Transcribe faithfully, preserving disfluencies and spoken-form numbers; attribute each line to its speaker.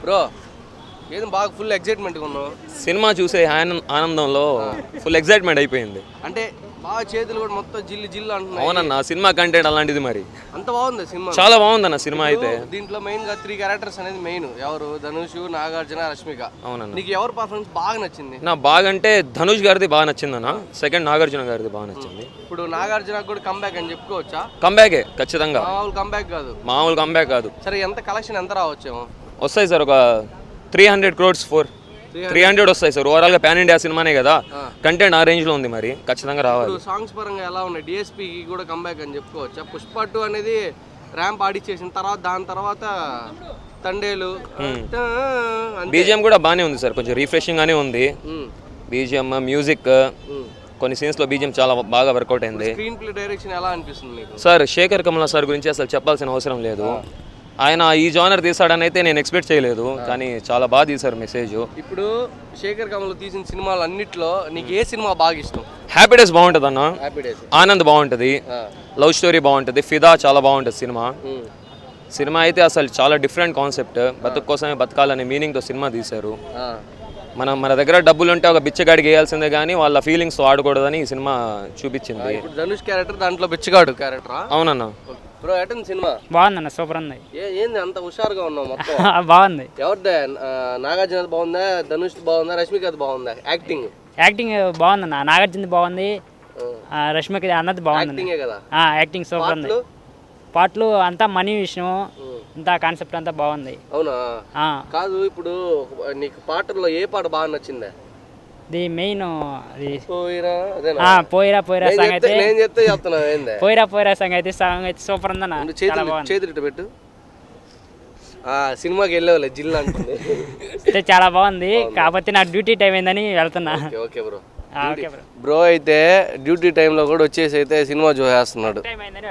Speaker 1: Bro ఏదో బాగా full ఎక్సైట్మెంట్గా ఉన్నావు.
Speaker 2: సినిమా చూసే ఆనంద ఆనందంలో ఫుల్ ఎక్సైట్మెంట్ అయిపోయింది.
Speaker 1: అంటే బాగా చేతులు కూడా మొత్తం జిల్లు జిల్లు అంటున్నాయి.
Speaker 2: అవునన్న, సినిమా కంటెంట్ అలాంటిది. మరి
Speaker 1: అంత బాగుంది సినిమా,
Speaker 2: చాలా బాగుందన్న సినిమా అయితే.
Speaker 1: దీంట్లో మెయిన్ గా త్రీ క్యారెక్టర్స్ అనేది మెయిన్. ఎవరు? ధనుష్, నాగార్జున, రష్మిక.
Speaker 2: అవునన్న.
Speaker 1: నీకు ఎవరు పర్ఫార్మెన్స్ బాగా నచ్చింది?
Speaker 2: నా బాగా అంటే ధనుష్ గారిది బాగా నచ్చింది అన్న. సెకండ్ నాగార్జున గారిది బాగా నచ్చింది.
Speaker 1: ఇప్పుడు నాగార్జున కూడా కంబ్యాక్ అని చెప్పుకోవచ్చా?
Speaker 2: కంబ్యాకే ఖచ్చితంగా.
Speaker 1: మామూలు కంబ్యాక్ కాదు.
Speaker 2: మామూలు కంబ్యాక్ కాదు.
Speaker 1: సరే, ఎంత కలెక్షన్ ఎంత రావచ్చేమో?
Speaker 2: వస్తాయి సార్, ఒక three hundred crores four three hundred వస్తాయి సార్. ఓవరాల్ గా పాన్ ఇండియా సినిమానే కదా, కంటెంట్ ఆ రేంజ్ లో ఉంది. మరి ఖచ్చితంగా రావాలి.
Speaker 1: సాంగ్స్ పరంగా ఎలా ఉన్నాయి? డిఎస్పీ కూడా కంబ్యాక్ అని చెప్పుకోవచ్చా? పుష్ప టూ అనేది ర్యాంప్ ఆడిచ్చేసిన తర్వాత దాని తర్వాత తండేలు
Speaker 2: బీజిఎం కూడా బాగానే ఉంది సార్, కొంచెం రిఫ్రెషింగ్ గానే ఉంది. బీజిఎం, మ్యూజిక్, కొన్ని సీన్స్ లో బీజిఎం చాలా బాగా వర్కౌట్ అయింది.
Speaker 1: స్క్రీన్ ప్లే డైరెక్షన్ ఎలా అనిపిస్తుంది మీకు?
Speaker 2: సార్ శేఖర్ కమల సార్ గురించి అసలు చెప్పాల్సిన అవసరం లేదు. ఆయన ఈ జానర్ తీసాడని అయితే నేను ఎక్స్పెక్ట్ చేయలేదు, కానీ చాలా బాగా తీశారు మెసేజ్.
Speaker 1: ఇప్పుడు శేఖర్ కమల్ తీసిన సినిమాలు అన్నిట్లో నీకు ఏ సినిమా బాగా ఇష్టం?
Speaker 2: హ్యాపీ డేస్ బాగుంటుంది అన్న,
Speaker 1: హ్యాపీ డేస్,
Speaker 2: ఆనంద్ బాగుంటుంది, లవ్ స్టోరీ బాగుంటుంది, ఫిదా చాలా బాగుంటుంది సినిమా. సినిమా అయితే అసలు చాలా డిఫరెంట్ కాన్సెప్ట్, బతుకు కోసమే బతకాలనే మీనింగ్తో సినిమా తీశారు. మనం మన దగ్గర డబ్బులు ఉంటే ఒక బిచ్చగాడికి వేయాల్సిందే కానీ వాళ్ళ ఫీలింగ్స్ ఆడకూడదని ఈ సినిమా చూపించింది.
Speaker 1: ధనుష్ క్యారెక్టర్ దాంట్లో బిచ్చగాడు క్యారెక్టర్.
Speaker 2: అవునన్నా.
Speaker 1: బ్రో ఎటన్ సినిమా
Speaker 3: బాగుందన్న, సూపర్ ఉంది.
Speaker 1: ఏంది అంత హుషారుగా ఉన్నావు మొత్తం?
Speaker 3: బాగుంది.
Speaker 1: ఎవరిదే? నాగార్జున బాగుందా, ధనుష్ బాగుందా, రష్మిక బాగుందా? యాక్టింగ్
Speaker 3: యాక్టింగ్ బాగుందన్న, నాగార్జున బాగుంది, రష్మిక అన్నది బాగుంది
Speaker 1: కదా.
Speaker 3: యాక్టింగ్ సూపర్ ఉంది. పాటలు అంతా మనీ విషయం, అంతా కాన్సెప్ట్ అంతా బాగుంది.
Speaker 1: అవునా? కాదు, ఇప్పుడు నీకు పాటల్లో ఏ పాట బాగా నచ్చిందా?
Speaker 3: ఇది మెయిన్
Speaker 1: పోయిరా
Speaker 3: పోయిరా పోయిరా సాంగ్ అయితే,
Speaker 1: నేను చెప్తే చెప్తున్నా ఏంది
Speaker 3: పోయిరా పోయిరా సాంగ్ అయితే సాంగ్ అయితే సూపర్ ఉందన్న.
Speaker 1: చేతులు పెట్టు. సినిమాకి వెళ్ళేవాళ్ళే జిల్లా అంటుంది.
Speaker 3: చాలా బాగుంది, కాకపోతే నా డ్యూటీ టైం అయిందని వెళ్తున్నా.
Speaker 1: Okay bro. బ్రో అయితే డ్యూటీ టైంలో కూడా వచ్చేసి అయితే సినిమా చూసేస్తున్నాడు.